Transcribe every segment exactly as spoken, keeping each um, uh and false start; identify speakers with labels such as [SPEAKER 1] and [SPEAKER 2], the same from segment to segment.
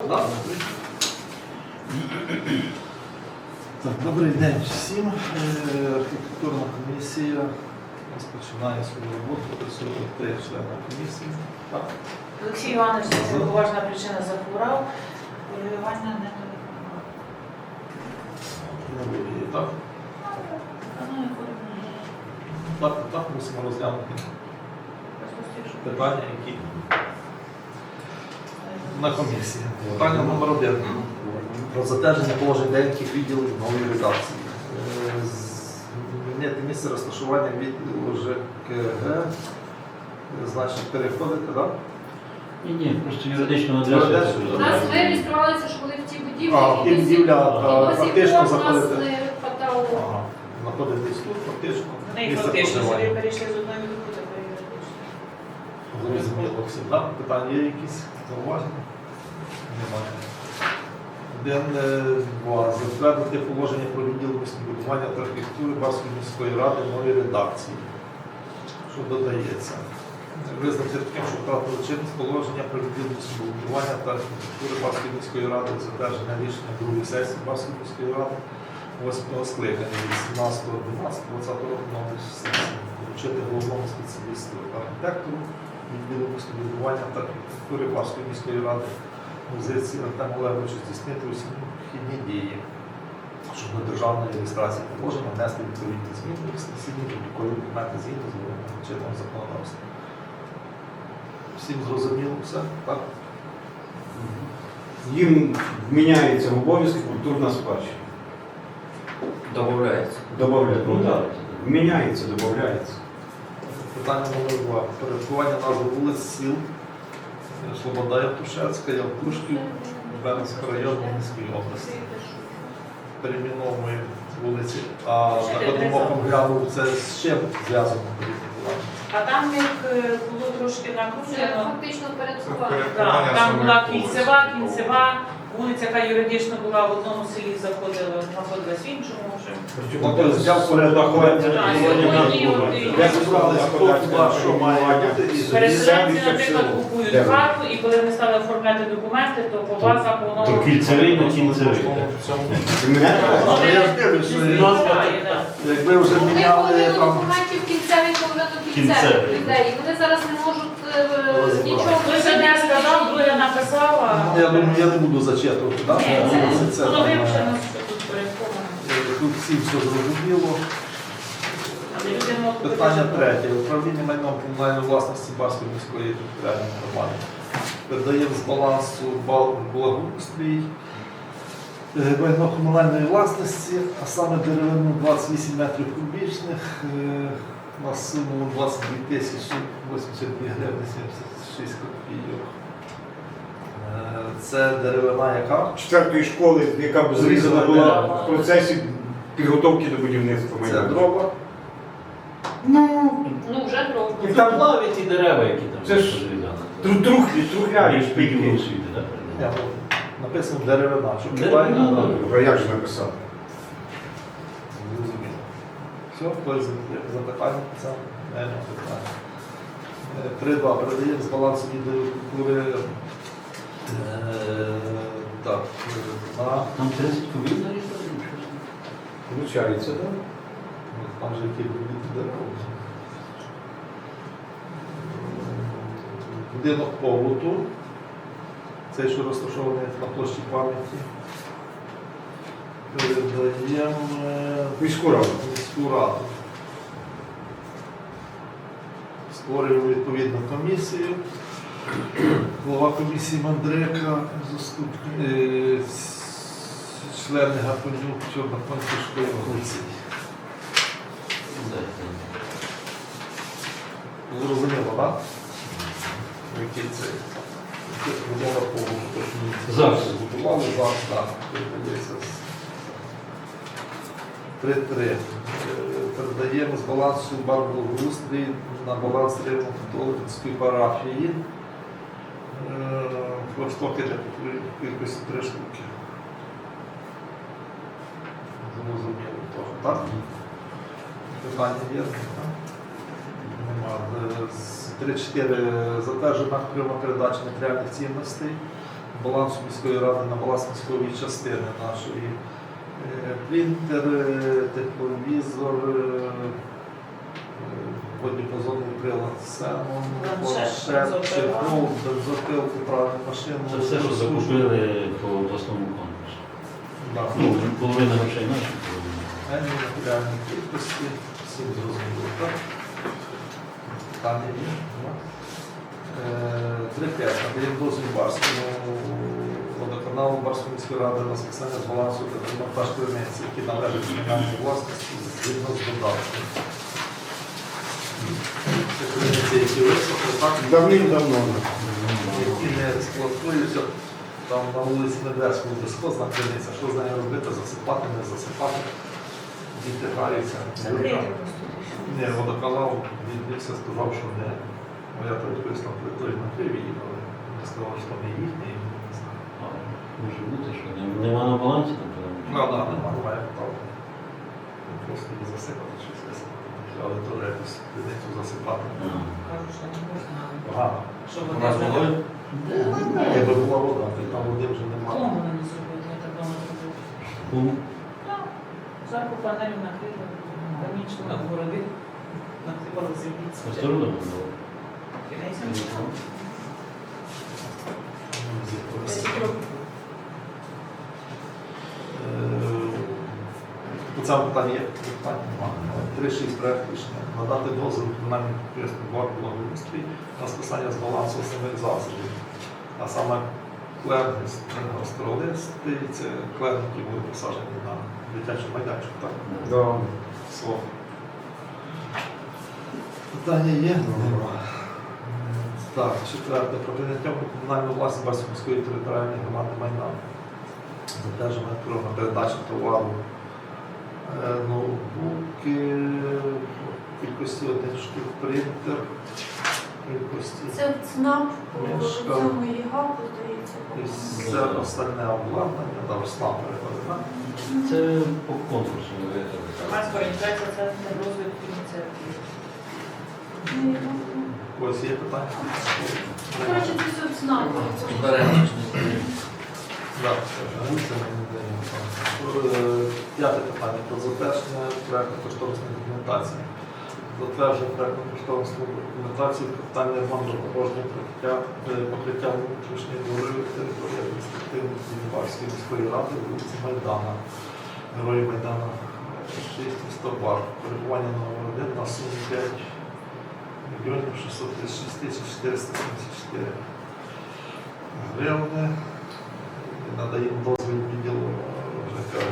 [SPEAKER 1] Да? Так, добрий день всім. Е, Архітектурна комісія розпочинає свою роботу. Присутні три члени комісії. Так.
[SPEAKER 2] Олексій Іванович, це поважна причина захворав. Ваня не телефонував.
[SPEAKER 1] Не виявляє, так? Так, так, мусимо розглянути питання, які на комісії. Питання номер один. Про затвердження положень деяких відділів нової редакції. Е, Змінити місце розташування відділу ЖКГ. Значить, переходити, так?
[SPEAKER 3] Ні, ні, просто юридичного адресу.
[SPEAKER 1] Юридичну.
[SPEAKER 4] У нас ми реєструвалися, що були в тій будівлі.
[SPEAKER 1] А, в тій будівлі, та, фактично
[SPEAKER 4] нас
[SPEAKER 1] заходити.
[SPEAKER 4] не хватало.
[SPEAKER 1] Ага. Знаходитись тут, фактично.
[SPEAKER 2] Вони
[SPEAKER 1] Місце
[SPEAKER 2] фактично собі
[SPEAKER 1] проживання.
[SPEAKER 2] перейшли з одної групи до юридичної.
[SPEAKER 1] Зрозуміло всім, так? Питання є якісь? Зауваження? Немає. Один, два. Затвердити положення про відділ містобудування та архітектури Барської міської ради в новій редакції. Що додається? Визнати таким, що втратили чинність положення про відділ містобудування та архітектури Барської міської ради, затвердження рішення другої сесії Барської міської ради восьмого скликання від сімнадцятого дванадцятого двадцятого року номер сесії. Вручити головному спеціалісту архітектору відділу містобудування та архітектури Барської міської ради позиції Артему Олеговичу здійснити усі необхідні дії, щоб на державної реєстрації положення внести відповідні зміни в сесійні протоколі документи згідно з вимогами чинного законодавства. Всім зрозуміло все, так?
[SPEAKER 5] Їм вміняється в обов'язки культурна спадщина.
[SPEAKER 3] Добавляється.
[SPEAKER 5] Добавляється. Ну так. Вміняється, додається.
[SPEAKER 1] Питання номер два. Порядкування назви вулиць, сіл Слобода Явтушецька, Явтушків, Бернського району Мінської області. Перейменовуємо вулиці. А на одному оком глянув, це з чим зв'язано порядкування?
[SPEAKER 2] А там як е, було трошки
[SPEAKER 4] Це
[SPEAKER 2] накручено.
[SPEAKER 4] фактично передсувати.
[SPEAKER 2] Так, там була кільцева, кінцева, вулиця, яка юридично була в одному селі, заходила, знаходилась в іншому. Вже.
[SPEAKER 1] Тобто взяв порядкування.
[SPEAKER 2] Так, сьогодні от і
[SPEAKER 1] Як зібрали, хто туди, що має бути, і
[SPEAKER 2] переселенці, наприклад, купують
[SPEAKER 5] Де?
[SPEAKER 2] хату, і коли вони стали оформляти документи, то по базах воно...
[SPEAKER 3] То кільцевий, не кінцевий.
[SPEAKER 1] Але я ж дивлюсь, що
[SPEAKER 2] Буває, так.
[SPEAKER 1] якби вже
[SPEAKER 4] Вони
[SPEAKER 1] міняли
[SPEAKER 4] половину
[SPEAKER 1] там.
[SPEAKER 4] документів кінцевих, половину
[SPEAKER 3] Кінцевих.
[SPEAKER 4] кінцевих людей. І вони зараз не можуть е, нічого.
[SPEAKER 2] Хтось одне сказав, друге написав, а...
[SPEAKER 1] Я думаю, я не буду зачитувати, так?
[SPEAKER 2] Ні, це,
[SPEAKER 1] Це,
[SPEAKER 2] воно
[SPEAKER 1] там,
[SPEAKER 2] вивчено,
[SPEAKER 1] е,
[SPEAKER 2] що тут порядковано.
[SPEAKER 1] Тут всім все зрозуміло.
[SPEAKER 2] Але люди можуть
[SPEAKER 1] Питання
[SPEAKER 2] бути-
[SPEAKER 1] третє. Управління майном комунальної власності Барської міської територіальної громади. Передаємо з балансу бал- благоустрій е, майно комунальної власності, а саме деревину двадцять вісім метрів кубічних е, на суму двадцять дві тисячі вісімдесят дві гривні сімдесят шість копійок. Е, Це деревина яка?
[SPEAKER 5] Четвертої школи, яка б зрізана була в процесі підготовки до будівництва
[SPEAKER 1] Це
[SPEAKER 5] майдану.
[SPEAKER 1] дрова.
[SPEAKER 5] Ну,
[SPEAKER 4] Ну, вже трохи.
[SPEAKER 5] і там
[SPEAKER 3] Плаві ті дерева, які там
[SPEAKER 5] Це ж тру- трухлі, трухляві
[SPEAKER 3] шпилі
[SPEAKER 5] шпилі.
[SPEAKER 3] освіти, так?
[SPEAKER 1] Ні, ну, написано деревина. Щоб
[SPEAKER 3] Деревина,
[SPEAKER 1] правильно,
[SPEAKER 3] так.
[SPEAKER 5] А як же написати?
[SPEAKER 1] зрозуміло. Все, хтось запитання це не питання. Три-два. Передаємо з балансу відділу культури. е, Так, на
[SPEAKER 3] Там тридцять кубів нарізали?
[SPEAKER 5] Получається, так?
[SPEAKER 1] там же які будуть дерева. Будинок побуту. Цей, що розташований на площі пам'яті. Передаємо е,
[SPEAKER 5] Міську раду.
[SPEAKER 1] міську раду. Створюємо відповідну комісію. Голова комісії Мандрика, заступник, е, с- члени Гапонюк, Чорноконської вулиці. Зрозуміло, так? Який це? Вимога по
[SPEAKER 3] Зараз.
[SPEAKER 1] Збудували зараз, так. Передається. Три-три. Е, Передаємо з балансу бар благоустрій на баланс Рівно-католицької парафії. Флагштоки для кількості три штуки. Зрозуміло, теж, так? Питання є? Так? Нема. З три-чотири затверджена пряма передача матеріальних цінностей балансу міської ради на баланс міської частини нашої. Е, Принтер, е, тепловізор, е, водіпозонний прилад Сенон,
[SPEAKER 2] Планшет,
[SPEAKER 1] планшет,
[SPEAKER 2] бензопила.
[SPEAKER 1] чехол, бензопил, поправну машину.
[SPEAKER 3] Це все, що закупили по обласному конкурсу.
[SPEAKER 1] Да.
[SPEAKER 3] Ну, половина грошей наші, половина.
[SPEAKER 1] Енні матеріальні кількості, всім зрозуміло, так? Питання є? Нема? Е, три п'ять. Надаємо дозвіл Барському водоканалу Барської міської ради на списання з балансу та демонтаж криниці, які належать комунальній власності згідно з додатком. Це криниці, які висохли, так?
[SPEAKER 5] Давним-давно.
[SPEAKER 1] Які не експлуатуються. Там на вулиці Медведського безхозна криниця, що з нею робити, засипати, не засипати. Діти граються.
[SPEAKER 2] Закрити просто.
[SPEAKER 1] Ні, водоканал відбився, сказав, що не. Моя теж там той накрив її, але не сказав, що там не їхній, не знаю.
[SPEAKER 3] А, може бути, що нем- нема на балансі, напевно.
[SPEAKER 1] Ну, да, нема, немає права. Просто її засипати, щось висипати. Але то якось криницю засипати.
[SPEAKER 3] Ага.
[SPEAKER 2] Кажуть, що не можна.
[SPEAKER 1] Погано.
[SPEAKER 2] Що
[SPEAKER 1] У
[SPEAKER 2] вони
[SPEAKER 1] нас
[SPEAKER 2] зробили?
[SPEAKER 1] водою? Якби була вода, то там води вже немає.
[SPEAKER 2] Кому вони не зробили? Я так давно зробив.
[SPEAKER 3] Кум?
[SPEAKER 2] Зверху панелю накрили, панічно нагородив, накривали землі.
[SPEAKER 3] Осторожно було.
[SPEAKER 2] Кінець нічого. Десять
[SPEAKER 1] Е,
[SPEAKER 2] років.
[SPEAKER 1] По цьому питанні є питання немає. три шість проект рішення. Надати дозвіл комунальним підприємствам «Бар благоустрій» на списання з балансу основних засобів. А саме клен гостролисти, це клен, які були посаджені на дитячому майданчику. Так?
[SPEAKER 5] Да.
[SPEAKER 1] Слово. Питання є? Нема. Так, четверте. Про прийняття у комунальну власність Барської міської територіальної громади майна. Затвердження на передачу товару. Е, Ноутбуки, в кількості один штук, принтер, в кількості.
[SPEAKER 6] Це ЦНАП по
[SPEAKER 1] Мішка.
[SPEAKER 6] цьому ЄГАПу, здається.
[SPEAKER 1] І все остальне обладнання, там СНАП перекладена.
[SPEAKER 3] Це по конкурсу ми виграли.
[SPEAKER 2] Громадська організація «Центр розвитку ініціатив».
[SPEAKER 1] Ось є питання.
[SPEAKER 6] Коротше, це все ЦНАП.
[SPEAKER 1] Так, це ми не даємо. Е, П'яте питання про затвердження проєктно-кошторисної документації. Затвердження проєктно-кошторисної документації, капітальний ремонт дорожнього покриття, е, покриття внутрішньої дороги території адміністративної Барської міської ради, вулиці Майдана, Герої Майдана шість, місто Бар. Перебування номер один на суму п'ять мільйонів шістсот тридцять шість тисяч чотириста сімдесят чотири гривни. Надаємо дозвіл відділу ЖКГ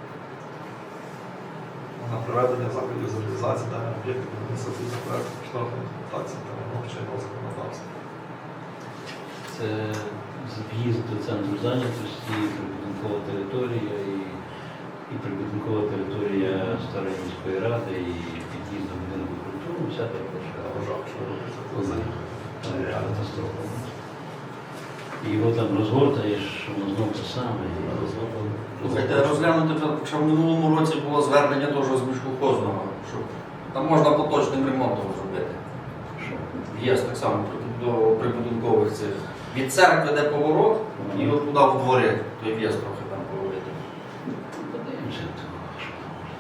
[SPEAKER 1] на проведення заходів з реалізації даних об'єктів адміністративного проєкту кошторисної документації та вимог чинного законодавства.
[SPEAKER 3] Це в'їзд до центру зайнятості, прибудинкова територія і, і прибудинкова територія Старої міської ради, і під'їзд до будинку культури, вся та площа.
[SPEAKER 1] Вважав, що робиться це за
[SPEAKER 3] Це катастрофа. І його там розгортаєш, воно знову те саме. і розгортано.
[SPEAKER 7] Слухайте, розглянути, що в минулому році було звернення теж з міськохозного, що там можна поточним ремонтом зробити.
[SPEAKER 3] Що?
[SPEAKER 7] В'їзд так само до прибудинкових цих. Від церкви де поворот, і от туди в дворі той в'їзд трохи там поговорити.
[SPEAKER 3] Подивимося того, що там може.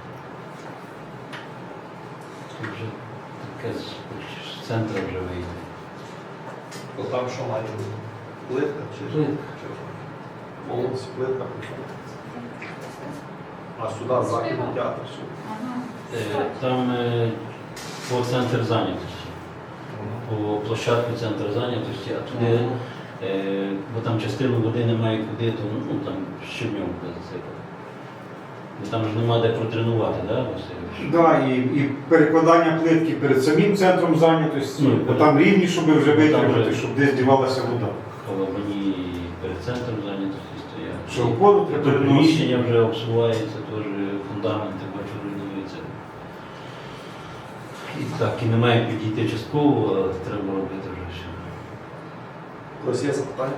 [SPEAKER 3] Це вже таке з, з центру вже вийде.
[SPEAKER 1] То там що має бути? Плитка чи
[SPEAKER 3] Плитка.
[SPEAKER 1] чи що? Повністю плитка. А сюди західний театр. що?
[SPEAKER 3] Е, Там е, по центр зайнятості, по площадку центр зайнятості, а туди, е, бо там частину води немає куди, то ну, там щебньовка засипати. Бо там ж нема де протренувати, так, да, Васильович?
[SPEAKER 5] Да, і, і перекладання плитки перед самим центром зайнятості,
[SPEAKER 3] Ну,
[SPEAKER 5] бо там рівні, щоб вже
[SPEAKER 3] Там
[SPEAKER 5] витримати,
[SPEAKER 3] вже-
[SPEAKER 5] щоб десь дівалася вода.
[SPEAKER 3] Коли мені перед центром зайнятості стоять.
[SPEAKER 5] Що воду
[SPEAKER 3] І
[SPEAKER 5] треба
[SPEAKER 3] то
[SPEAKER 5] приносити.
[SPEAKER 3] приміщення вже обсувається, теж фундаменти бачу руйнуються. І так, і немає підійти частково, а треба робити вже все.
[SPEAKER 1] Ось є запитання?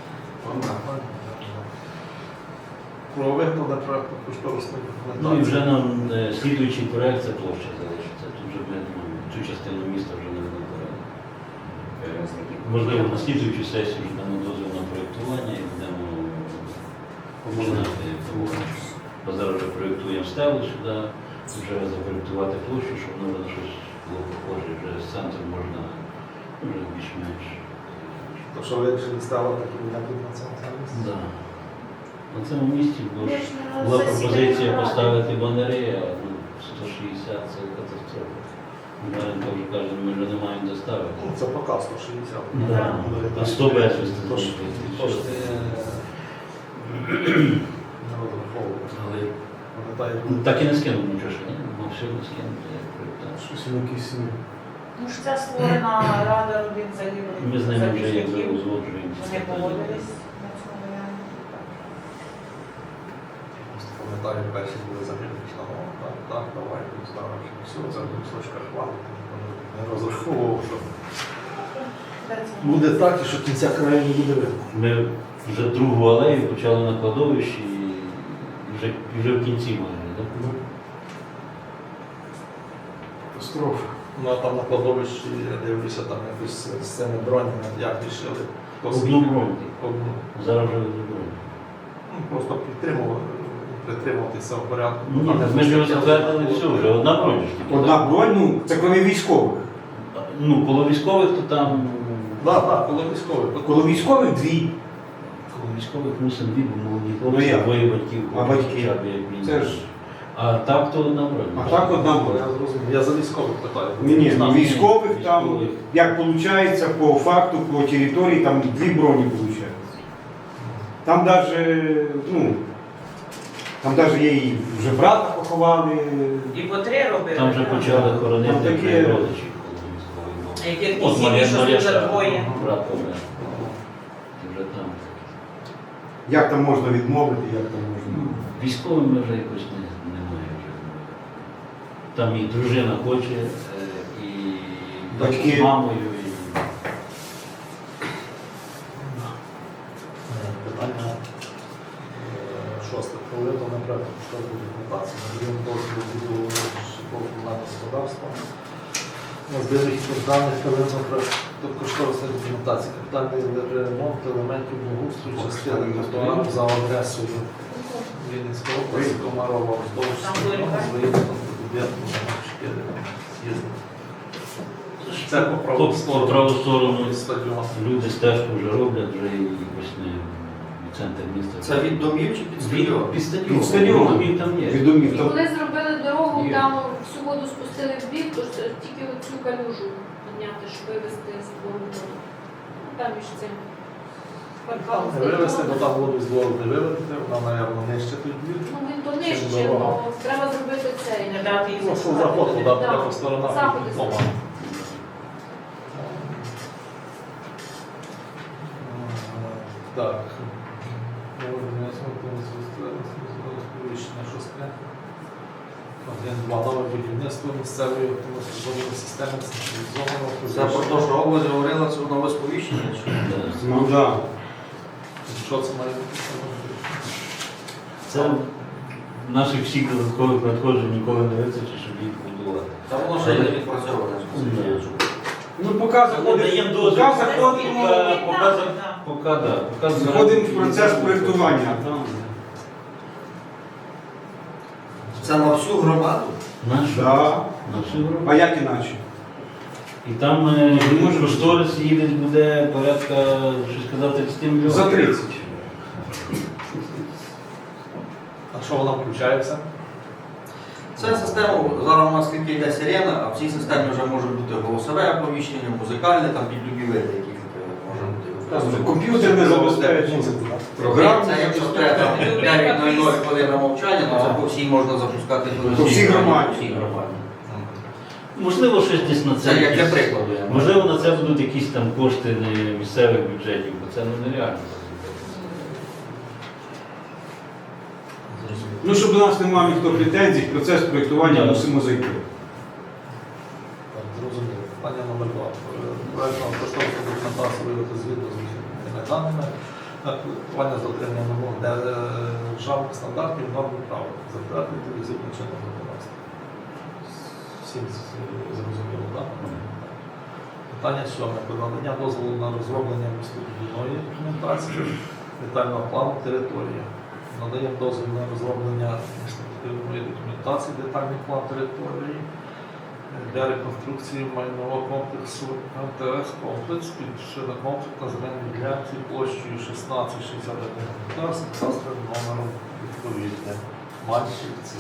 [SPEAKER 1] Про виконання проєкту кошторисної
[SPEAKER 3] Ну і
[SPEAKER 1] документації.
[SPEAKER 3] вже нам е, слідуючий проект це площа залишиться. Тут вже ми ну, цю частину міста вже не вибираємо. Можливо, на слідуючу сесію вже дамо дозвіл на проєкт проєктування і будемо починати роботу. Бо зараз вже проєктуємо стелу сюди, вже запроєктувати площу, щоб воно на щось було похоже, вже з центру можна ну, вже більш-менш.
[SPEAKER 1] То що вирішили стало такі виняки на цьому місці?
[SPEAKER 3] Да. На цьому місці бо ж
[SPEAKER 6] Ми ж на
[SPEAKER 3] була
[SPEAKER 6] засіданні
[SPEAKER 3] пропозиція
[SPEAKER 6] ради.
[SPEAKER 3] поставити банери, а ну, сто шістдесят це катастрофа. Маренко вже каже, ми вже не маємо де ставити.
[SPEAKER 1] Ну, це поки сто шістдесят.
[SPEAKER 3] Да. А сто безвісти.
[SPEAKER 1] Тож, кошти не розраховують.
[SPEAKER 3] Але
[SPEAKER 1] Пам'ятаю,
[SPEAKER 3] ну, так і не скинув нічого, що ні? Ну, все не скинув, як проєктант.
[SPEAKER 1] щось якісь
[SPEAKER 2] Ну ж це створена рада родин загиблих
[SPEAKER 3] Ми з ними вже як
[SPEAKER 2] захисників.
[SPEAKER 3] узгоджуємося.
[SPEAKER 2] Вони погодились на цьому варіанті.
[SPEAKER 1] просто пам'ятаю, перші були загиблі на мову. Так, так, давай, тут ставимо, що все, це в кусочках хвалити. Не розраховував, що
[SPEAKER 2] Де це?
[SPEAKER 1] буде так, і що кінця краю не буде видно.
[SPEAKER 3] Ми вже другу алею почали на кладовищі і вже, і вже в кінці майже. Так?
[SPEAKER 1] Катастрофа. Ну а там на кладовищі, я дивлюся, там якось з цими бронями, як рішили. хто
[SPEAKER 3] Одну
[SPEAKER 1] скільки-
[SPEAKER 3] броню.
[SPEAKER 1] Одну.
[SPEAKER 3] Зараз вже зробили.
[SPEAKER 1] Ну, просто підтримували, притримуватися в порядку.
[SPEAKER 3] Ні, ми ж його затвердили все, вже одна броня. ж тільки.
[SPEAKER 5] Одна бронь, ну, це коли військових.
[SPEAKER 3] Ну, коло військових, то там.
[SPEAKER 1] Так, так, коли військовий.
[SPEAKER 5] Коли військових дві.
[SPEAKER 3] Коло військових мусимо дві, бо молоді
[SPEAKER 5] Ну,
[SPEAKER 3] хлопці,
[SPEAKER 5] як?
[SPEAKER 3] двоє батьків.
[SPEAKER 5] А
[SPEAKER 3] хочуть
[SPEAKER 5] батьки?
[SPEAKER 3] хоча б як мінімум.
[SPEAKER 5] Це ж.
[SPEAKER 3] А так то одна броня.
[SPEAKER 5] А так одна
[SPEAKER 1] Я
[SPEAKER 5] бронь.
[SPEAKER 1] зрозумів. Я за військових питаю.
[SPEAKER 5] Ні, ні, ну,
[SPEAKER 3] Там
[SPEAKER 5] військових там,
[SPEAKER 3] військових.
[SPEAKER 5] як виходить, по факту, по території, там дві броні виходить. Там навіть, ну, там навіть є і вже брата поховали.
[SPEAKER 2] І по три робили.
[SPEAKER 3] Там вже
[SPEAKER 2] так?
[SPEAKER 3] почали хоронити
[SPEAKER 5] Там такі-
[SPEAKER 3] вже родичів коло військових.
[SPEAKER 2] А яких
[SPEAKER 3] От
[SPEAKER 2] сім'ї,
[SPEAKER 3] Марія
[SPEAKER 2] що
[SPEAKER 3] Марія
[SPEAKER 2] дуже двоє.
[SPEAKER 3] брат помер. І вже там.
[SPEAKER 5] Як там можна відмовити, як там можна.
[SPEAKER 3] Військовим ми вже якось не, немає вже. Там і дружина хоче, е, і
[SPEAKER 5] Батьки.
[SPEAKER 3] з мамою, і
[SPEAKER 1] Питання е, шосте. Коли то направити поштовху документацію. Надаємо дозвіл будову житлово-комунального господарства. На збірних даних первинного кошторисної документації. Капітальний ремонт елементів благоустрою частини тротуару за адресою Вінницької області, Комарова, вздовж
[SPEAKER 2] Там були
[SPEAKER 1] з виїздом до будинку номер чотири. Це по праву
[SPEAKER 3] по
[SPEAKER 1] сторону.
[SPEAKER 3] праву сторону
[SPEAKER 1] Стадіон.
[SPEAKER 3] люди стежку вже роблять, вже і якось не в центр міста.
[SPEAKER 7] Це від домів чи під
[SPEAKER 3] Від-
[SPEAKER 7] стадіон?
[SPEAKER 3] Під стадіон.
[SPEAKER 5] Під стадіон.
[SPEAKER 3] Домів там є.
[SPEAKER 5] Від домів
[SPEAKER 4] І
[SPEAKER 5] там.
[SPEAKER 4] коли зробили дорогу,
[SPEAKER 3] Є.
[SPEAKER 4] там всю воду спустили в бік, то ж тільки цю калюжу підняти, щоб вивезти з двору. Там між цим парканом.
[SPEAKER 1] Не вивезти, бо там воду з двору не вивезти, вона, мабуть, нижче тут двір.
[SPEAKER 4] Ну він то нижче,
[SPEAKER 1] Чим дорога.
[SPEAKER 4] але треба зробити цей.
[SPEAKER 2] Не дати їй
[SPEAKER 1] Ну, що заход туди буде по сторонах.
[SPEAKER 4] Заходи.
[SPEAKER 1] Дома. Так. Рішення шосте. Один, два нове будівництво місцевої автоматизованої системи централізованого.
[SPEAKER 7] Це про те, що область говорила, це нове сповіщення? чи?
[SPEAKER 3] Да.
[SPEAKER 5] Ну так.
[SPEAKER 1] Що це має бути?
[SPEAKER 3] Це наших всіх додаткових надходжень ніколи не вистачить, щоб їх будувати.
[SPEAKER 7] Та воно ще не відпрацьоване.
[SPEAKER 3] Ні.
[SPEAKER 5] Ну, поки заходимо,
[SPEAKER 3] Даємо
[SPEAKER 5] поки
[SPEAKER 3] дозвіл.
[SPEAKER 5] заходимо,
[SPEAKER 3] Поки- поки за- Поки, да, поки
[SPEAKER 5] заходимо в процес проєктування. Там.
[SPEAKER 7] Це на всю громаду?
[SPEAKER 3] Нашу,
[SPEAKER 5] Да.
[SPEAKER 3] на всю групу.
[SPEAKER 5] А як іначе?
[SPEAKER 3] І там е, може кошторис їде буде порядка, що сказати, тридцять мільйонів.
[SPEAKER 5] За тридцять.
[SPEAKER 1] А що вона включається?
[SPEAKER 7] Це система, зараз у нас скільки йде сирена, а в цій системі вже може бути голосове оповіщення, музикальне, там під любі види, які може бути.
[SPEAKER 5] Комп'ютерне забезпечення.
[SPEAKER 7] Програма, це якщо треба дев'ять нуль нуль хвилина мовчання, то це по всій можна запускати
[SPEAKER 5] По всій громаді.
[SPEAKER 7] По всій громаді.
[SPEAKER 3] Можливо, щось десь на це.
[SPEAKER 7] Це як для
[SPEAKER 3] якісь-
[SPEAKER 7] прикладу. я можу.
[SPEAKER 3] Можливо, на це будуть якісь там кошти не місцевих бюджетів, бо це ну, нереально.
[SPEAKER 5] Ну, щоб до нас не мав ніхто претензій, процес проєктування
[SPEAKER 3] Да.
[SPEAKER 5] мусимо зайти.
[SPEAKER 1] Так, зрозуміло. Питання номер два. Проєктно кошторисну документацію виявити згідно з вихідними даними. Проєктування з дотриманням вимог державних стандартів, норм і прав. Затвердити візитним чином законодавства. Всім з- зрозуміло, так? Питання сьоме. Про надання дозволу на розроблення містобудівної документації, детального плану території. Надаємо дозвіл на розроблення містобудівної документації, детальний план території для реконструкції майнового комплексу ем те ес комплекс під шинокомплексна земельної ділянки площею шістнадцять шістдесят один гектар з кадастровим номером відповідне. Мальчівці.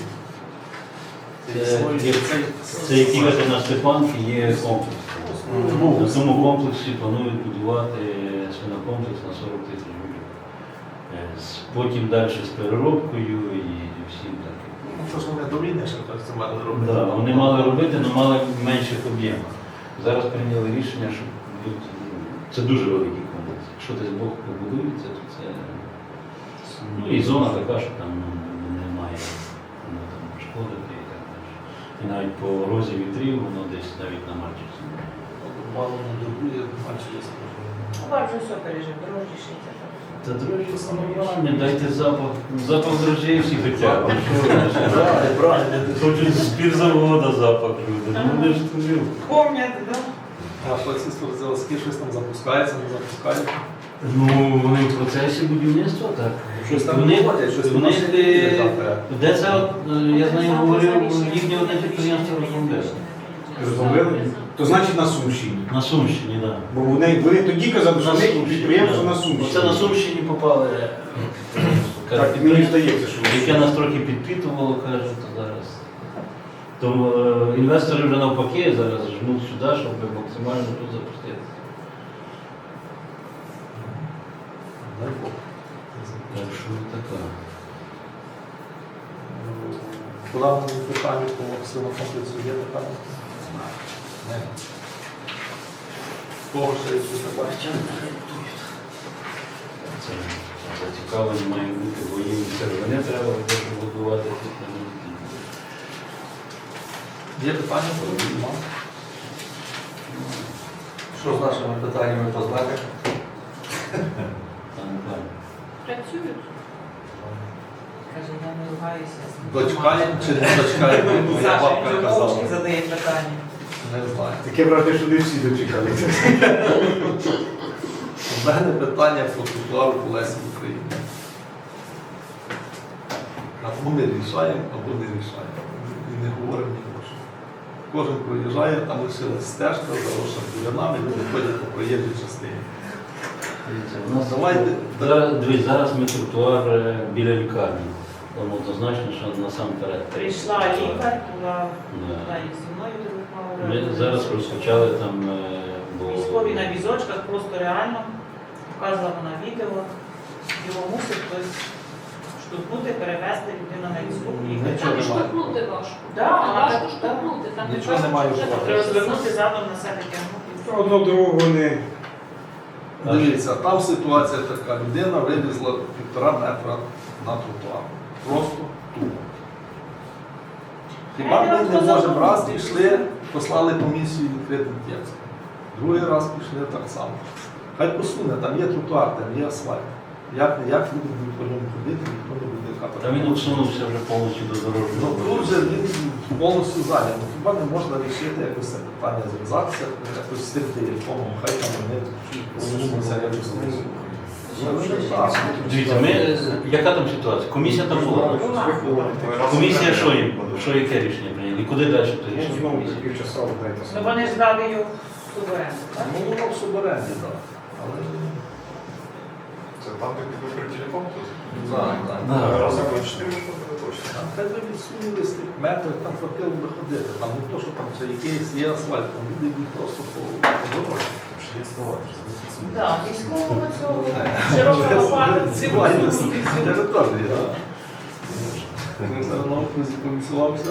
[SPEAKER 3] Це, це який ви на Степанки є комплекс. На цьому комплексі планують будувати свинокомплекс на сорок тисяч гривень. Е, з- Потім далі з переробкою і всім таким.
[SPEAKER 1] Ну, це ж вони до війни ще так це мали робити.
[SPEAKER 3] Да, вони мали робити, але мали в менших об'ємах. Зараз прийняли рішення, що будуть, це дуже великий комплекс. Якщо десь Бог побудується, то це ну, і зона така, що там ну, немає ну, там, шкодити і так далі. І навіть по розі вітрів воно десь навіть на Мальчиці.
[SPEAKER 1] Мало не дурбує, мальчівці.
[SPEAKER 2] У вас вже все пережив, дорожчі шиться.
[SPEAKER 3] Та дрожжі самоврання, дайте запах. Запах дрожжей всі хочуть.
[SPEAKER 1] Правильно, правильно.
[SPEAKER 3] Хочуть з пірзавода запах люди. Ну вони ж туди.
[SPEAKER 2] Помняти, так?
[SPEAKER 1] А поліцейські заводські щось там запускається, не запускають.
[SPEAKER 3] Ну, вони в процесі будівництва, так.
[SPEAKER 1] Щось там
[SPEAKER 3] Вони-
[SPEAKER 1] виходять, щось
[SPEAKER 3] вони
[SPEAKER 1] там
[SPEAKER 3] де-
[SPEAKER 1] завтра.
[SPEAKER 3] Де це, от, е, я знаю, говорив, їхнє одне підприємство розробляє.
[SPEAKER 5] Розробили? То значить на Сумщині.
[SPEAKER 3] На Сумщині, так.
[SPEAKER 5] Бо вони, вони тоді казали, що
[SPEAKER 3] На
[SPEAKER 5] вони
[SPEAKER 3] Сумщині,
[SPEAKER 5] підприємство
[SPEAKER 3] да.
[SPEAKER 5] на Сумщині.
[SPEAKER 3] Оце на Сумщині попали. е, каже,
[SPEAKER 5] Так мені здається, що
[SPEAKER 3] яке нас трохи підпитувало, каже, то зараз. Тому е, інвестори вже навпаки зараз жмуть сюди, щоб максимально тут запустити.
[SPEAKER 1] Дай Бог.
[SPEAKER 3] Так що така.
[SPEAKER 1] По даному питанню по силам комплексу є питання? Не. Кого ще є питання?
[SPEAKER 3] Це зацікавлення має бути, бо їм це вже не треба буде будувати тут.
[SPEAKER 1] Є питання? Нема.
[SPEAKER 7] Що з нашими питаннями по знаках?
[SPEAKER 3] Там план.
[SPEAKER 4] Працюють.
[SPEAKER 2] Каже, я не ругаюся.
[SPEAKER 1] Дочкає чи не дочкає? Моя
[SPEAKER 2] Саша,
[SPEAKER 1] бабка
[SPEAKER 2] він
[SPEAKER 1] казала.
[SPEAKER 2] мовчки задає питання.
[SPEAKER 1] Не знаю.
[SPEAKER 5] таке враження, що не всі дочекалися.
[SPEAKER 1] У мене питання по тротуару по Лесі України. Або ми рішаємо, або не рішаємо. І не говоримо ні про що. Кожен проїжджає, там лишилась стежка, заросша бурянами, люди ходять по проїжджій частині.
[SPEAKER 3] Дивіться, у нас
[SPEAKER 1] Давайте.
[SPEAKER 3] зараз, дивись, зараз ми тротуар е, біля лікарні. Там однозначно, що насамперед.
[SPEAKER 2] Прийшла лікар, була
[SPEAKER 3] Да.
[SPEAKER 2] була і зі мною телефонувала.
[SPEAKER 3] Ми зараз розпочали там, е, бо
[SPEAKER 2] Військові на візочках, просто реально показувала на відео. Його мусить хтось штовхнути, перевезти людину на візку.
[SPEAKER 1] Нічого
[SPEAKER 4] Там і
[SPEAKER 1] немає.
[SPEAKER 4] штовхнути важко.
[SPEAKER 2] Да,
[SPEAKER 4] Там
[SPEAKER 2] вона
[SPEAKER 4] важко
[SPEAKER 2] так-
[SPEAKER 4] штовхнути. Там не
[SPEAKER 1] Нічого
[SPEAKER 4] важко,
[SPEAKER 1] немає
[SPEAKER 4] що
[SPEAKER 1] вживати.
[SPEAKER 2] Треба
[SPEAKER 4] це
[SPEAKER 2] звернути задом на себе тягнути.
[SPEAKER 5] Одну дорогу вони.
[SPEAKER 1] Дивіться, там ситуація така. Людина вивезла півтора метра на тротуар. Просто тупо. Хіба ми не можемо раз пішли, послали комісію відкритим текстом. Другий раз пішли так само. Хай посуне, там є тротуар, там є асфальт. Як, як люди будуть по ньому ходити, ніхто не буде капати.
[SPEAKER 3] Та він усунувся вже повністю до
[SPEAKER 1] Ну
[SPEAKER 3] дорожнього.
[SPEAKER 1] тут же він повністю зайнятий. Ну, хіба не можна рішити якось це питання, зв'язатися, якось з тим телефоном, хай там вони розумуються якось. Ну, ну, так.
[SPEAKER 3] Дивіться, ми, яка там ситуація? Комісія там була. Комісія що їм? Що яке рішення прийняли? І куди далі то
[SPEAKER 5] Ну,
[SPEAKER 3] рішення
[SPEAKER 5] знову
[SPEAKER 3] комісії?
[SPEAKER 5] півчаса дайте
[SPEAKER 2] Ну
[SPEAKER 5] собі.
[SPEAKER 2] вони ж дали його в суборенду, так?
[SPEAKER 1] Ну, воно в суборенді, так. Але
[SPEAKER 8] Це там, де ви про телефон?
[SPEAKER 1] так, так.
[SPEAKER 3] Да.
[SPEAKER 8] Разом по чотири буде точно.
[SPEAKER 1] Там хай би відсунули з тих метрів, там хватило би ходити. Там не то, що там це якийсь є асфальт, там люди йдуть просто по по дорозі.
[SPEAKER 2] Так, військового цього широкого лопати,
[SPEAKER 1] Цивільна
[SPEAKER 2] цивільного.
[SPEAKER 1] територія, так. Ми все одно комісувався.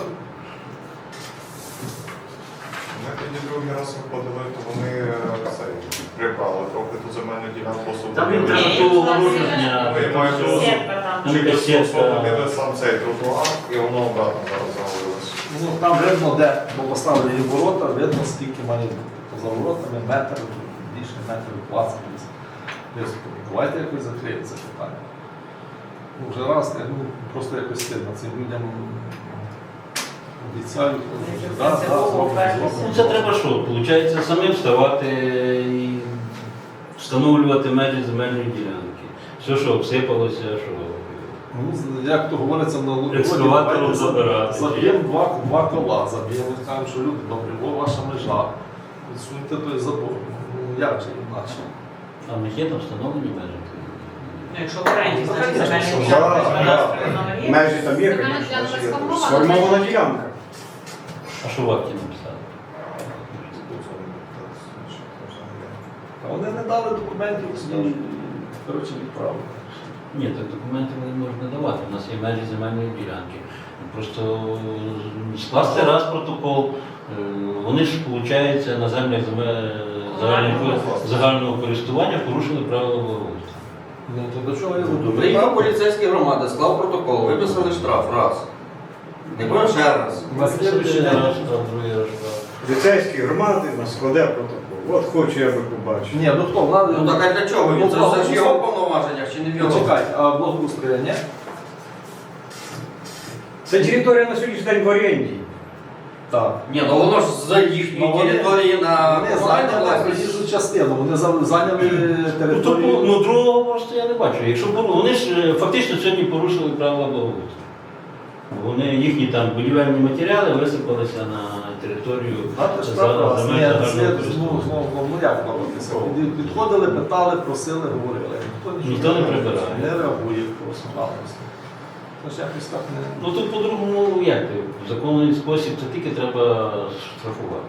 [SPEAKER 8] Ми тоді другий раз виходили, то вони е, це, прибрали трохи ту земельну ділянку особливо.
[SPEAKER 3] Там він треба
[SPEAKER 2] Ні,
[SPEAKER 3] було
[SPEAKER 2] у нас
[SPEAKER 3] вороження.
[SPEAKER 8] Ну, я маю на увазі,
[SPEAKER 2] Сітка там.
[SPEAKER 3] Там
[SPEAKER 8] через
[SPEAKER 3] якась сітка.
[SPEAKER 8] освободили сам цей тротуар, і воно обратно зараз завалилось.
[SPEAKER 1] Ну, там видно, де, бо поставили ворота, видно, скільки має бути. Поза воротами метр, більше метрів двадцять. Десь. Давайте якось закриємо це питання. Ну, вже раз, ну, просто якось стидно цим людям Обіцяють.
[SPEAKER 2] Які
[SPEAKER 1] Да, да,
[SPEAKER 2] принципово
[SPEAKER 1] зробимо,
[SPEAKER 2] вперлися.
[SPEAKER 1] зробимо.
[SPEAKER 3] Ну, це треба що? Получається, самим вставати і встановлювати межі земельної ділянки. Все, що обсипалося, що.
[SPEAKER 1] Ну, як то говориться на Лугоді,
[SPEAKER 3] Екскаватором
[SPEAKER 1] давайте
[SPEAKER 3] забирати.
[SPEAKER 1] заб'ємо два, два кола, заб'ємо, скажемо, що люди, добре, во ваша межа, відсуньте той забор. Ну, як же інакше?
[SPEAKER 3] А в них є там встановлені межі?
[SPEAKER 2] Ну, якщо в оренді, значить
[SPEAKER 1] Конечно,
[SPEAKER 2] земельні
[SPEAKER 1] що
[SPEAKER 2] ділянки
[SPEAKER 1] да,
[SPEAKER 2] господарської
[SPEAKER 1] да.
[SPEAKER 2] номер є.
[SPEAKER 5] Межі там є,
[SPEAKER 4] Земельна
[SPEAKER 5] звісно,
[SPEAKER 4] ділянка
[SPEAKER 5] ж є.
[SPEAKER 4] сформована.
[SPEAKER 5] Сформована ділянка.
[SPEAKER 3] А що в акті написали?
[SPEAKER 1] А вони не дали документів, скажуть, коротше, відправили.
[SPEAKER 3] Ні, так документи вони можуть не давати. У нас є межі земельної ділянки. Просто скласти раз протокол, е, вони ж, виходить, на землях земель загального, загального користування порушили правила благоустрою.
[SPEAKER 1] Ну, то до чого я веду?
[SPEAKER 7] Приїхав поліцейські громади, склав протокол, виписали штраф раз. Не будемо ще раз.
[SPEAKER 1] На слідуючий
[SPEAKER 3] Один
[SPEAKER 1] день.
[SPEAKER 3] раз штраф, другий раз штраф.
[SPEAKER 5] Поліцейські громади на складе протокол. От хочу я би побачив.
[SPEAKER 1] Ні, ну хто, влада?
[SPEAKER 7] Ну так а для чого?
[SPEAKER 1] Ну,
[SPEAKER 7] Це все ж в його повноваженнях чи не в його?
[SPEAKER 1] Почекай, а благоустрою, ні?
[SPEAKER 5] Це територія на сьогоднішній день в оренді.
[SPEAKER 1] Так.
[SPEAKER 7] Ні, ну воно ж за їхньої
[SPEAKER 1] Ну, вони-
[SPEAKER 7] території на
[SPEAKER 1] Вони
[SPEAKER 7] комунальну
[SPEAKER 1] зайняли
[SPEAKER 7] власність.
[SPEAKER 1] проїжджу частину, вони за- зайняли
[SPEAKER 3] Ну, то,
[SPEAKER 1] територію.
[SPEAKER 3] ну, другого просто я не бачу. Якщо пору- вони ж е, фактично сьогодні порушили правила благоустрою. Вони їхні там будівельні матеріали висипалися на територію
[SPEAKER 1] А ти ж
[SPEAKER 3] за-
[SPEAKER 1] прав,
[SPEAKER 3] земель
[SPEAKER 1] ні,
[SPEAKER 3] загального
[SPEAKER 1] це, ну,
[SPEAKER 3] користування.
[SPEAKER 1] ну, ну, ну, як боротися? Під- Підходили, питали, просили, говорили. Ніхто,
[SPEAKER 3] Ніхто не прибирає.
[SPEAKER 1] Не реагує просто-напросто. Тож якось так не...
[SPEAKER 3] Ну тут по-другому як? В законний спосіб це тільки треба штрафувати.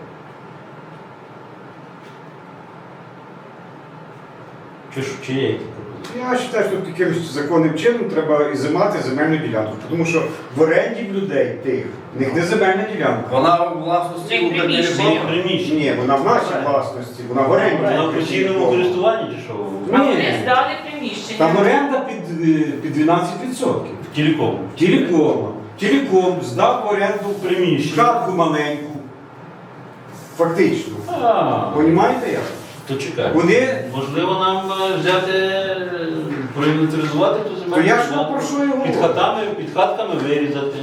[SPEAKER 3] Чи, ж- чи є які пропозиції?
[SPEAKER 5] Я вважаю, що тут якимось законним чином треба ізимати земельну ділянку. Тому що в оренді в людей тих, в них не земельна ділянка.
[SPEAKER 7] Вона у власності
[SPEAKER 2] Цих
[SPEAKER 7] у
[SPEAKER 2] приміщень.
[SPEAKER 3] Ні, приміщення.
[SPEAKER 5] Ні, вона в нашій власності, вона в оренді.
[SPEAKER 3] Вона в постійному користуванні чи що?
[SPEAKER 2] А
[SPEAKER 5] Ні.
[SPEAKER 2] вони здали приміщення.
[SPEAKER 5] Там оренда під, е, під дванадцять відсотків.
[SPEAKER 3] Телеком.
[SPEAKER 5] Телеком. Телеком здав в оренду
[SPEAKER 3] Приміщення.
[SPEAKER 5] хатку маленьку. Фактично.
[SPEAKER 3] А,
[SPEAKER 5] Понімаєте як?
[SPEAKER 3] то чекай.
[SPEAKER 5] Вони.
[SPEAKER 3] Можливо, нам е, взяти, е, проінвентаризувати ту земельну
[SPEAKER 5] То я ж
[SPEAKER 3] ділянку,
[SPEAKER 5] про що і говорю.
[SPEAKER 3] під хатами, під хатками вирізати.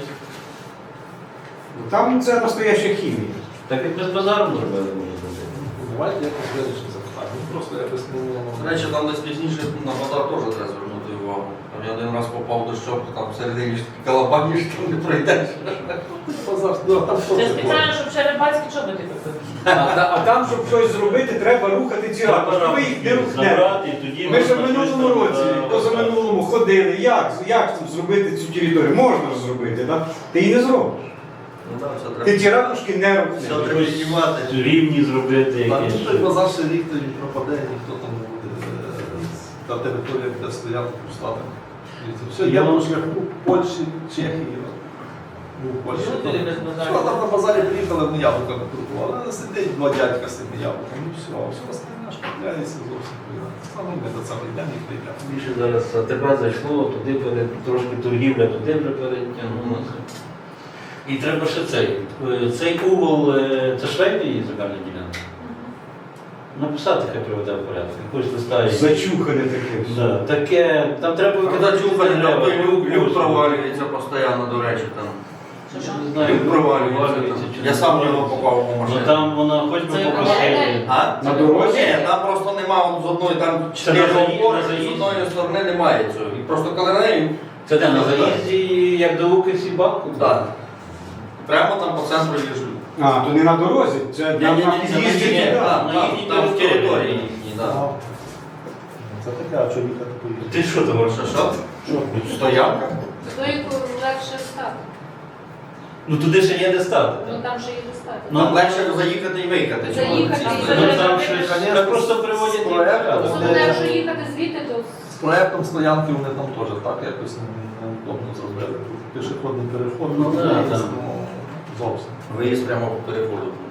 [SPEAKER 5] Там це настояща хімія.
[SPEAKER 3] Так як ми з базаром зробили, можна зробити.
[SPEAKER 1] Давайте якось вирішимо запитання. Ну, просто якось не...
[SPEAKER 7] До речі, там десь пізніше на базар теж треба звернути увагу. Там я один раз попав до щоп, там всередині ж такі калабані, що там не пройдеш.
[SPEAKER 1] Базар, ну, там що
[SPEAKER 2] Це
[SPEAKER 1] це
[SPEAKER 2] спеціально, щоб черебацькі чоботи купити.
[SPEAKER 5] А, та- а там, щоб щось зробити, треба рухати ці ракушки. Ви їх не рухнете.
[SPEAKER 3] Забрати, і тоді
[SPEAKER 5] Ми ж в
[SPEAKER 3] можна
[SPEAKER 5] минулому
[SPEAKER 3] щось там,
[SPEAKER 5] році,
[SPEAKER 3] е,
[SPEAKER 5] позаминулому ходили. Як, як тут зробити цю територію? Можна ж зробити, так? Ти її не зробиш.
[SPEAKER 7] Ну так, все
[SPEAKER 5] Ти
[SPEAKER 7] треба.
[SPEAKER 5] ті ракушки не
[SPEAKER 7] Все
[SPEAKER 5] рухнеш.
[SPEAKER 7] треба піднімати.
[SPEAKER 3] рівні зробити
[SPEAKER 1] Так,
[SPEAKER 3] якісь.
[SPEAKER 1] ну, той базар ще рік тоді пропаде, ніхто там не буде. е, Та територія буде стояти пустати. Все, я
[SPEAKER 3] Ну.
[SPEAKER 1] на шляху Польщі, Чехії. Ну, в Польщі.
[SPEAKER 2] Що туди без базару?
[SPEAKER 1] Що там на базарі приїхали, ми яблуками торгували, але сидить два дядька з тими яблуками, і все, а все остальне ж купляється зовсім. Саме ми до цього йдемо і прийдемо.
[SPEAKER 3] Більше зараз АТБ зайшло, туди пере, трошки торгівля туди вже перетягнулася. І треба ще цей. е, Цей угол, е, це швейний її земельна ділянка. Написати, хай приведе в порядок. Якось листа. є.
[SPEAKER 5] Зачухане таке. все.
[SPEAKER 3] Да, таке, там треба
[SPEAKER 7] Коли чухати,
[SPEAKER 3] треба.
[SPEAKER 7] люк, люк провалюється постійно, до речі, там.
[SPEAKER 2] Що, що?
[SPEAKER 3] Я не знаю,
[SPEAKER 7] Люк провалюється.
[SPEAKER 3] провалюється чи
[SPEAKER 7] там.
[SPEAKER 3] не
[SPEAKER 7] Я сам його
[SPEAKER 3] провалюється.
[SPEAKER 7] попав у
[SPEAKER 3] Ну
[SPEAKER 7] машину.
[SPEAKER 3] там вона хоч би
[SPEAKER 2] Це
[SPEAKER 3] попросили.
[SPEAKER 7] А?
[SPEAKER 5] На дорозі?
[SPEAKER 7] Ні, там просто нема от з одної, там
[SPEAKER 3] Це
[SPEAKER 7] чотири
[SPEAKER 3] на заї-
[SPEAKER 7] опори,
[SPEAKER 3] на
[SPEAKER 7] з
[SPEAKER 3] заїзді?
[SPEAKER 7] одної сторони немає цього. І просто коли на неї,
[SPEAKER 3] Це де на заїзді, як до Укрсі банку?
[SPEAKER 7] так. Прямо там по центру є ж люк.
[SPEAKER 5] А, то не на дорозі, це на, на
[SPEAKER 7] Ні-ні-ні,
[SPEAKER 5] під'їзді
[SPEAKER 7] ні,
[SPEAKER 5] туди.
[SPEAKER 7] там,
[SPEAKER 3] на
[SPEAKER 7] там,
[SPEAKER 3] їхній
[SPEAKER 7] там в
[SPEAKER 3] території.
[SPEAKER 7] території їхній, так.
[SPEAKER 1] Це таке, а що їхати поїхати?
[SPEAKER 3] Ти що там робиш?
[SPEAKER 7] Що, що? Стоянка?
[SPEAKER 4] Стойку легше стати.
[SPEAKER 3] Ну туди ще є де стати.
[SPEAKER 4] Ну
[SPEAKER 3] так?
[SPEAKER 4] там же є достати.
[SPEAKER 3] Ну,
[SPEAKER 7] Там легше заїхати і виїхати. чому
[SPEAKER 4] Заїхати
[SPEAKER 7] ці
[SPEAKER 4] і
[SPEAKER 7] стоянки?
[SPEAKER 3] Ну там щось,
[SPEAKER 1] Конечно,
[SPEAKER 3] так просто приводять
[SPEAKER 1] з проектом,
[SPEAKER 3] їх.
[SPEAKER 4] Особливо, якщо їхати звідти, то
[SPEAKER 1] З проєктом стоянки вони там теж так якось неудобно зробили. Тут пішохідний переход,
[SPEAKER 3] Ну, да,
[SPEAKER 1] виїзд,
[SPEAKER 3] там.
[SPEAKER 1] ну, зовсім.
[SPEAKER 7] Виїзд прямо по переходу, виходить.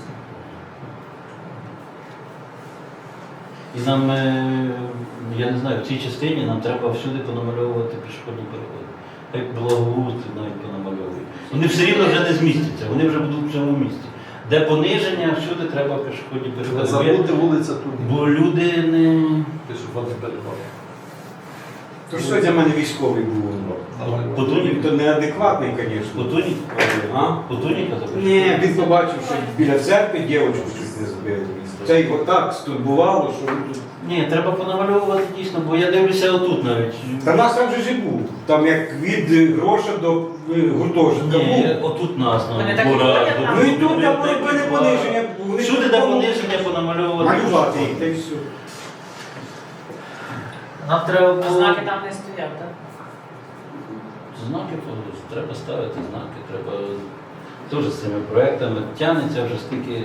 [SPEAKER 3] І нам, е, я не знаю, в цій частині нам треба всюди понамальовувати пішохідні переходи. Як благоустрій навіть понамальовують. Вони все рівно вже не змістяться, вони вже будуть в цьому місці. Де пониження, всюди треба пішохідні
[SPEAKER 1] Не
[SPEAKER 3] переходи.
[SPEAKER 1] забути вулиця тут,
[SPEAKER 3] Бо люди не.
[SPEAKER 1] пішохідний переход.
[SPEAKER 5] То що для мене військовий був?
[SPEAKER 3] Потунік,
[SPEAKER 5] Він то неадекватний, звісно.
[SPEAKER 3] Потунік,
[SPEAKER 5] А?
[SPEAKER 3] Потуніка запишеш?
[SPEAKER 5] Ні, він побачив, що біля церкви дівчинку щось не збили. Це його так стурбувало, що він тут.
[SPEAKER 3] Ні, треба понамальовувати дійсно, бо я дивлюся отут навіть.
[SPEAKER 5] Та нас там же ж і був. Там як від гроша до е, гуртожитка
[SPEAKER 3] Ні,
[SPEAKER 5] був.
[SPEAKER 3] отут нас
[SPEAKER 2] Вони
[SPEAKER 3] на
[SPEAKER 2] так і
[SPEAKER 3] двора.
[SPEAKER 2] ходять там.
[SPEAKER 5] Ну і тут там робили пониження. Вони
[SPEAKER 3] Всюди
[SPEAKER 5] тут
[SPEAKER 3] де
[SPEAKER 5] помогли
[SPEAKER 3] пониження понамальовувати.
[SPEAKER 5] малювати їх, та й все.
[SPEAKER 3] Нам треба
[SPEAKER 2] А
[SPEAKER 3] було...
[SPEAKER 2] знаки там не стоять, так?
[SPEAKER 3] Знаки то треба ставити, знаки, треба теж з цими проектами. Тягнеться вже стільки.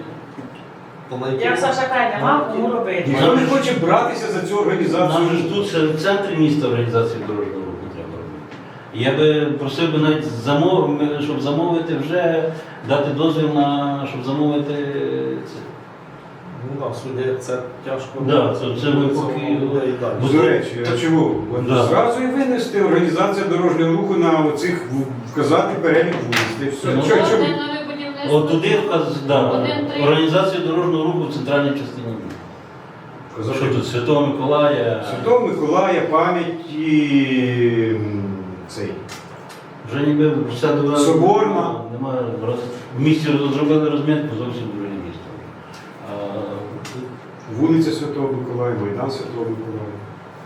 [SPEAKER 2] Як Саша каже, нема кому робити.
[SPEAKER 5] Ніхто не хоче братися за цю організацію.
[SPEAKER 3] Нам же ж тут ще в центрі міста організації дорожнього руху треба робити. І я би просив би навіть замов... щоб замовити вже, дати дозвіл на щоб замовити це.
[SPEAKER 1] Ну так, судді це тяжко.
[SPEAKER 3] Да, це- це ми поки-
[SPEAKER 1] людей далі.
[SPEAKER 3] Бо-
[SPEAKER 5] До речі, а чого? От
[SPEAKER 3] Да.
[SPEAKER 5] Зразу і винести організація дорожнього руху на оцих в- вказати перелік вулиць. Та й все.
[SPEAKER 3] Ну,
[SPEAKER 5] Чо- чо-
[SPEAKER 4] Одне нове будівництво.
[SPEAKER 3] От туди вказ, да,
[SPEAKER 4] Один, три.
[SPEAKER 3] організацію дорожнього руху в центральній частині міста.
[SPEAKER 5] Вказати
[SPEAKER 3] Що тут Святого Миколая?
[SPEAKER 5] Святого Миколая, пам'ять і м, цей.
[SPEAKER 3] Вже ніби вся дорога
[SPEAKER 5] Соборна.
[SPEAKER 3] Немає роз... в місті зробили розмітку зовсім друге місто. А,
[SPEAKER 5] Вулиця Святого Миколая, Майдан Святого Миколая.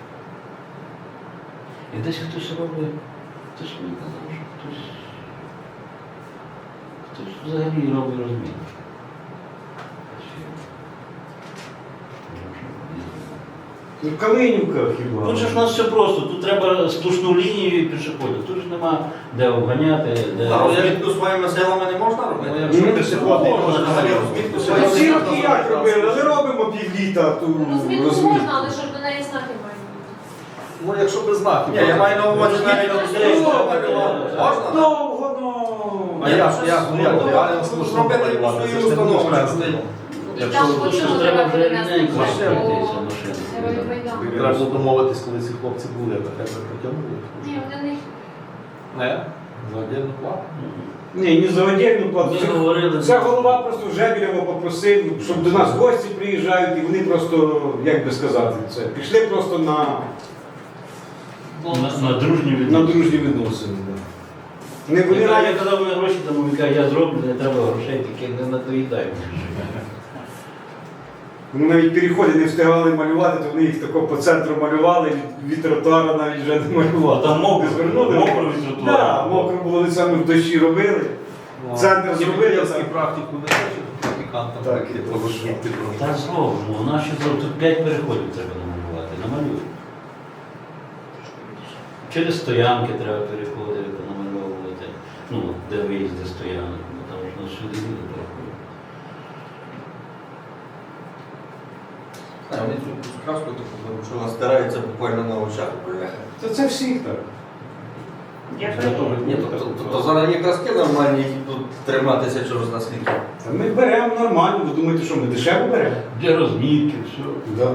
[SPEAKER 3] і десь хтось робить, хтось мені казав, що хтось, хтось взагалі робить розмітку.
[SPEAKER 5] Ну, Калинівка хіба.
[SPEAKER 3] Тут же ж у нас все просто, тут треба сплошну лінію і пішоходів. Тут ж нема де обганяти, де.
[SPEAKER 7] А розмітку своїми силами не можна
[SPEAKER 1] Ну,
[SPEAKER 7] робити?
[SPEAKER 1] якщо
[SPEAKER 5] Ну,
[SPEAKER 1] пішохідний
[SPEAKER 7] можна,
[SPEAKER 1] може
[SPEAKER 7] взагалі
[SPEAKER 1] взагалі
[SPEAKER 7] розмітку
[SPEAKER 1] розмітку
[SPEAKER 5] Та
[SPEAKER 7] своїми
[SPEAKER 5] всі роки як робили, але робимо півліта ту
[SPEAKER 4] Розмітку
[SPEAKER 5] розмітку.
[SPEAKER 4] можна, але щоб до неї знаки мають бути.
[SPEAKER 1] Ну, якщо без знаків.
[SPEAKER 7] Ні, я маю на увазі навіть
[SPEAKER 1] Розмітку
[SPEAKER 7] можна?
[SPEAKER 5] Довго, ну.
[SPEAKER 1] А як, як, ну як,
[SPEAKER 7] Ну,
[SPEAKER 1] реально
[SPEAKER 7] ну,
[SPEAKER 1] слушно
[SPEAKER 7] зробити
[SPEAKER 1] малювати,
[SPEAKER 7] якусь
[SPEAKER 1] це ж
[SPEAKER 7] свою
[SPEAKER 1] не буде
[SPEAKER 7] установу,
[SPEAKER 1] шпензлем.
[SPEAKER 4] І
[SPEAKER 1] Якщо
[SPEAKER 4] там
[SPEAKER 3] Тут
[SPEAKER 4] по
[SPEAKER 3] ж
[SPEAKER 4] чому
[SPEAKER 3] треба
[SPEAKER 4] треба
[SPEAKER 3] вже
[SPEAKER 4] перенести
[SPEAKER 3] рівненько
[SPEAKER 4] по
[SPEAKER 3] розширитися машини.
[SPEAKER 4] Герою-Майдану.
[SPEAKER 1] треба було домовитись, коли ці хлопці були, так як ми потягнули.
[SPEAKER 4] Ні, вони не
[SPEAKER 1] Не? За отдельну плату?
[SPEAKER 5] Ні, не за отдельну плату.
[SPEAKER 3] Ми
[SPEAKER 5] Це-
[SPEAKER 3] говорили.
[SPEAKER 5] Це голова просто Жебірєва попросив, щоб до нас гості приїжджають, і вони просто, як би сказати, це пішли просто на,
[SPEAKER 3] На, на дружні
[SPEAKER 5] на
[SPEAKER 3] відносини.
[SPEAKER 5] дружні відносини. Да. Не вони
[SPEAKER 3] Я, я
[SPEAKER 5] навіть
[SPEAKER 3] казав, ми гроші там, він каже, я зроблю, не треба грошей, тільки не надоїдай.
[SPEAKER 5] вони навіть переходи не встигали малювати, то вони їх тако по центру малювали, від, від тротуара навіть вже не малювали.
[SPEAKER 3] А там мокро,
[SPEAKER 5] звернули.
[SPEAKER 3] мокро від тротуару.
[SPEAKER 5] Так, мокро було, вони саме в дощі робили. Центр зробили,
[SPEAKER 1] Європейську
[SPEAKER 5] так.
[SPEAKER 1] практику не хоче, практикантам
[SPEAKER 5] Так,
[SPEAKER 1] такі
[SPEAKER 5] і
[SPEAKER 1] розшити.
[SPEAKER 3] Та зробимо, у нас ще зробимо. Тут п'ять переходів треба намалювати, намалюй. Через стоянки треба переходи намальовувати. Ну, де виїзди стоянок, бо там ж нас сюди люди переходять.
[SPEAKER 7] Вони цю краску таку беруть, що вона стирається буквально на очах.
[SPEAKER 5] Це, це всіх так.
[SPEAKER 2] Я
[SPEAKER 7] Ні, то, то, то, то зараз є краски нормальні, які тут триматися через наскільки.
[SPEAKER 5] Та ми беремо нормально, ви думаєте, що ми дешево беремо?
[SPEAKER 3] Для розмітки, все.
[SPEAKER 5] Да.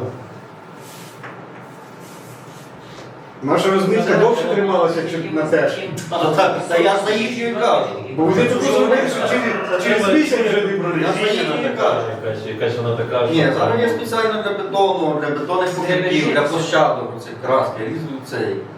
[SPEAKER 5] Наша розмітка довше трималася, ніж на те.
[SPEAKER 7] Та, та, та я за їхньою кажу.
[SPEAKER 5] Бо вони тут зробили, що через, через місяць вже не
[SPEAKER 7] Я
[SPEAKER 5] прорішили.
[SPEAKER 7] за їхньою кажу.
[SPEAKER 3] Якась, якась вона така.
[SPEAKER 7] Ні,
[SPEAKER 3] що-
[SPEAKER 7] зараз є спеціально для бетону, для бетонних покриттів, для площадок, оцих краски, різуть цей.